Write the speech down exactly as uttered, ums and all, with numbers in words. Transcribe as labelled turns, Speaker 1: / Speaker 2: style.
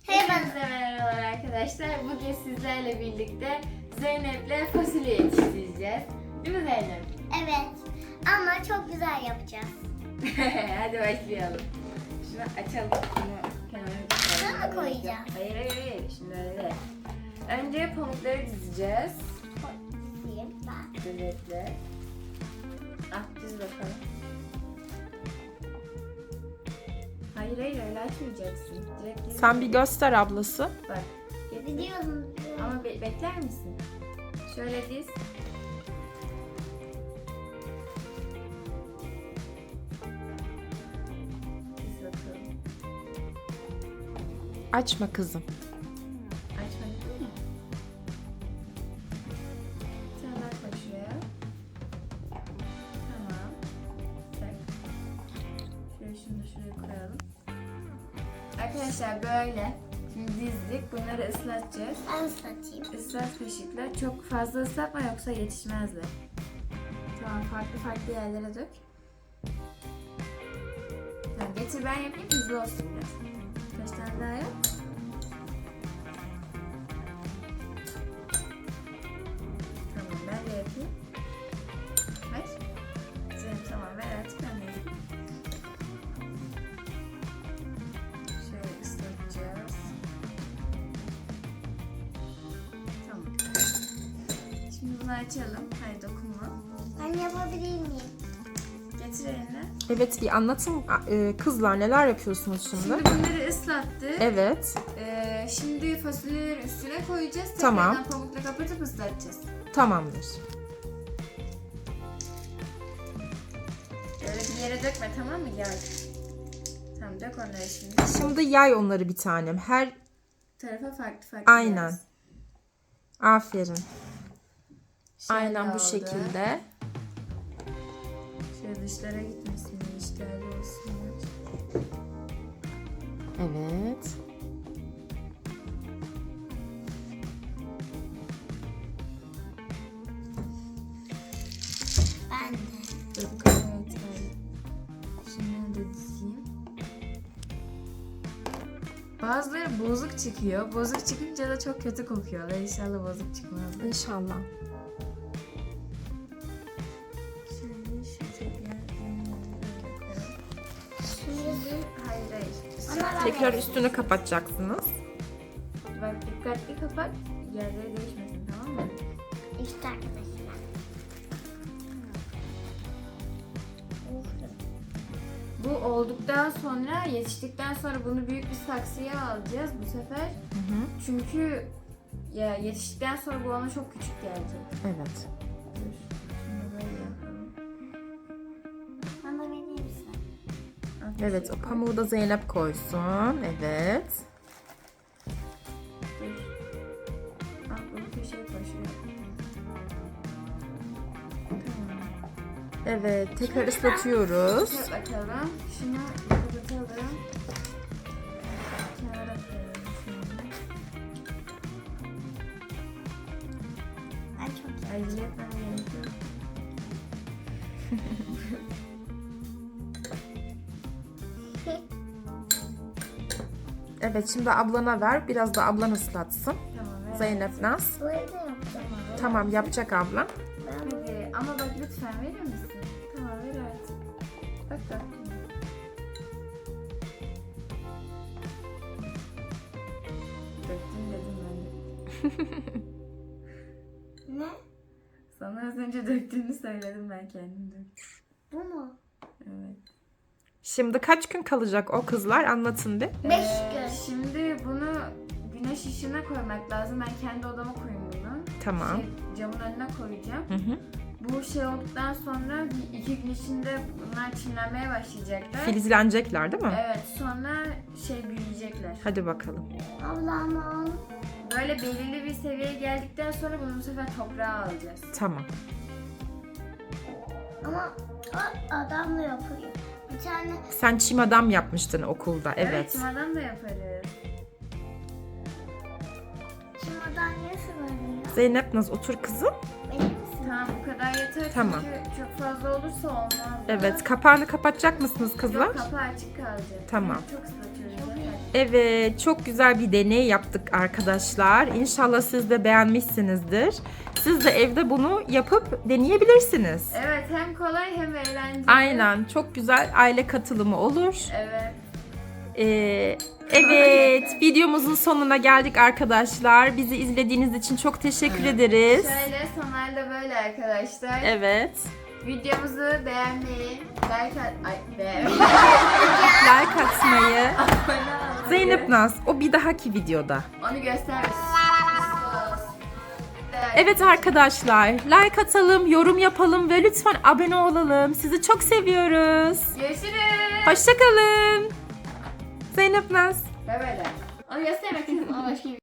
Speaker 1: Hepinize merhabalar arkadaşlar. Bugün sizlerle birlikte Zeynep'le fasulye yetiştireceğiz. Değil mi Zeynep?
Speaker 2: Evet. Ama çok güzel yapacağız.
Speaker 1: Hadi başlayalım. Şunu açalım. Şunu kenara
Speaker 2: Şuna mı koyacağım?
Speaker 1: Hayır hayır hayır. Şimdi öyle değil. Önce pamukları dizeceğiz.
Speaker 2: Diyeyim ben.
Speaker 1: Zeynep'le. Ah diz bakalım. Hayır hayır öyle açmayacaksın. Direkt diz.
Speaker 3: Sen bir göster ablası.
Speaker 1: Bak. getir.
Speaker 2: Biliyorum.
Speaker 1: Ama be- bekler misin? Şöyle diz. Diz bakalım.
Speaker 3: Açma kızım.
Speaker 1: Açmadın mı? Sen bak bak şuraya. Tamam. Tak. Şöyle şunu da şuraya koyalım. Arkadaşlar böyle. Şimdi dizdik. Bunları ıslatacağız.
Speaker 2: Ben ıslatayım.
Speaker 1: Islat kaşıkla. Çok fazla ıslatma yoksa yetişmezler. Tamam, farklı farklı yerlere dök. Tamam, getir ben yapayım, hızlı olsun biraz. Kaç tane daha yap. Tamam, ben de yapayım. Ver. Zeynep tamam, ver artık ben de yapayım. Şöyle ıslatacağız. Tamam. Şimdi bunu açalım. Hayır dokunma.
Speaker 2: Ben yapabilir miyim?
Speaker 1: Getir eline.
Speaker 3: Evet, bir anlatın e, kızlar, neler yapıyorsunuz şimdi?
Speaker 1: Şimdi bunları ıslattık.
Speaker 3: Evet,
Speaker 1: Ee, şimdi fasulyeleri üstüne koyacağız.
Speaker 3: Tamam.
Speaker 1: Tekrardan pamukla kapatıp ıslatacağız.
Speaker 3: tamamdır.
Speaker 1: Böyle bir yere dökme, tamam mı? Gel. Tamam, dök onları şimdi.
Speaker 3: Şimdi yay onları bir tanem. Her
Speaker 1: Tarafa farklı farklı
Speaker 3: Aynen.
Speaker 1: yaz.
Speaker 3: aferin.
Speaker 1: Şöyle
Speaker 3: Aynen bu
Speaker 1: oldu.
Speaker 3: şekilde.
Speaker 1: Şöyle dışlara gitmesin, işlerle olsun.
Speaker 3: Evet.
Speaker 2: Ben de.
Speaker 1: Dök, evet, evet. Şimdi de dizeyim. Bazıları bozuk çıkıyor. Bozuk çıkınca da çok kötü kokuyorlar. İnşallah bozuk çıkmaz.
Speaker 3: İnşallah.
Speaker 1: Şöyle şu tekrar böyle koyalım.
Speaker 2: Şimdi
Speaker 1: Hayır hayır.
Speaker 2: Ana ben
Speaker 3: Tekrar üstünü kapatacaksınız.
Speaker 1: Bak dikkatli kapat. Yerleri değişmesin, tamam mı?
Speaker 2: işte arkadaşlar.
Speaker 1: Bu olduktan sonra, yetiştikten sonra bunu büyük bir saksıya alacağız bu sefer.
Speaker 3: Hı hı.
Speaker 1: Çünkü ya yetiştikten sonra bu ona çok küçük gelecek.
Speaker 3: Evet.
Speaker 1: Dur. Şunu böyle yapalım.
Speaker 2: Bana verir misin?
Speaker 1: Al,
Speaker 3: Evet,
Speaker 1: şöyle
Speaker 3: o
Speaker 1: koy.
Speaker 3: pamuğu da Zeynep koysun. Evet.
Speaker 1: Dur. Al bunu köşeye koy şuraya. Tamam.
Speaker 3: Evet, tekrar ıslatıyoruz.
Speaker 1: Şöyle bakalım. Şunu kapatalım. Kenara koyalım şunu.
Speaker 2: Ben çok
Speaker 1: Acele etmem gerekiyor.
Speaker 3: Evet, şimdi ablana ver. Biraz da ablan ıslatsın.
Speaker 1: Tamam. ver.
Speaker 3: Zeynep Naz.
Speaker 2: Bu evde yapacağım.
Speaker 3: Tamam, yapacak abla.
Speaker 2: Ben bunu
Speaker 1: Hadi ama bak lütfen verir misin? Tamam ver artık. Bak bak. Döktün dedim ben de.
Speaker 2: ne?
Speaker 1: Sana az önce döktüğünü söyledim, ben kendim döktüm.
Speaker 2: Bu mu?
Speaker 1: Evet.
Speaker 3: Şimdi kaç gün kalacak o kızlar? Anlatın bir.
Speaker 2: Beş
Speaker 1: Ee,
Speaker 2: gün.
Speaker 1: Şimdi bunu güneş ışığına koymak lazım. Ben kendi odama koyayım bunu.
Speaker 3: Tamam.
Speaker 1: Şey, camın önüne koyacağım.
Speaker 3: Hı hı.
Speaker 1: Bu şey olduktan sonra bir iki gün içinde bunlar çimlenmeye başlayacaklar.
Speaker 3: Filizlenecekler değil mi?
Speaker 1: Evet, sonra şey büyüyecekler.
Speaker 3: Hadi bakalım.
Speaker 2: Ablam al.
Speaker 1: Böyle belirli bir seviyeye geldikten sonra bunu bu sefer toprağa alacağız.
Speaker 3: Tamam.
Speaker 2: Ama o adamla yapıyor. Bir tane
Speaker 3: Sen çim adam yapmıştın okulda. Evet.
Speaker 1: çimadan da yaparız.
Speaker 2: kim adam nasıl var?
Speaker 3: Zeynep Naz otur kızım.
Speaker 2: Benim misin?
Speaker 1: Tamam, bu kadar yeter
Speaker 3: Tamam.
Speaker 1: çünkü çok fazla olursa olmaz.
Speaker 3: Evet. Kapağını kapatacak mısınız kızlar?
Speaker 1: Yok, kapağı açık kalacak.
Speaker 3: Tamam.
Speaker 1: Çok ıslatıyoruz.
Speaker 2: Çok iyi.
Speaker 1: zaten.
Speaker 3: Evet, çok güzel bir deney yaptık arkadaşlar. İnşallah siz de beğenmişsinizdir. Siz de evde bunu yapıp deneyebilirsiniz.
Speaker 1: Evet, hem kolay hem eğlenceli.
Speaker 3: Aynen, çok güzel aile katılımı olur.
Speaker 1: Evet.
Speaker 3: Ee, evet, videomuzun sonuna geldik arkadaşlar. Bizi izlediğiniz için çok teşekkür ederiz.
Speaker 1: Şöyle sonlarda böyle arkadaşlar.
Speaker 3: Evet.
Speaker 1: Videomuzu beğenmeyi, like at... Ay, beğenmeyi.
Speaker 3: Like atmayı.
Speaker 1: Abone olmayı.
Speaker 3: Zeynep Naz, o bir dahaki videoda.
Speaker 1: Onu göstermiş.
Speaker 3: Evet arkadaşlar, like atalım, yorum yapalım ve lütfen abone olalım. Sizi çok seviyoruz.
Speaker 1: Görüşürüz.
Speaker 3: Hoşça kalın. Zeynep Naz.
Speaker 1: Ve böyle. Onu göstermek istedim ama başka bir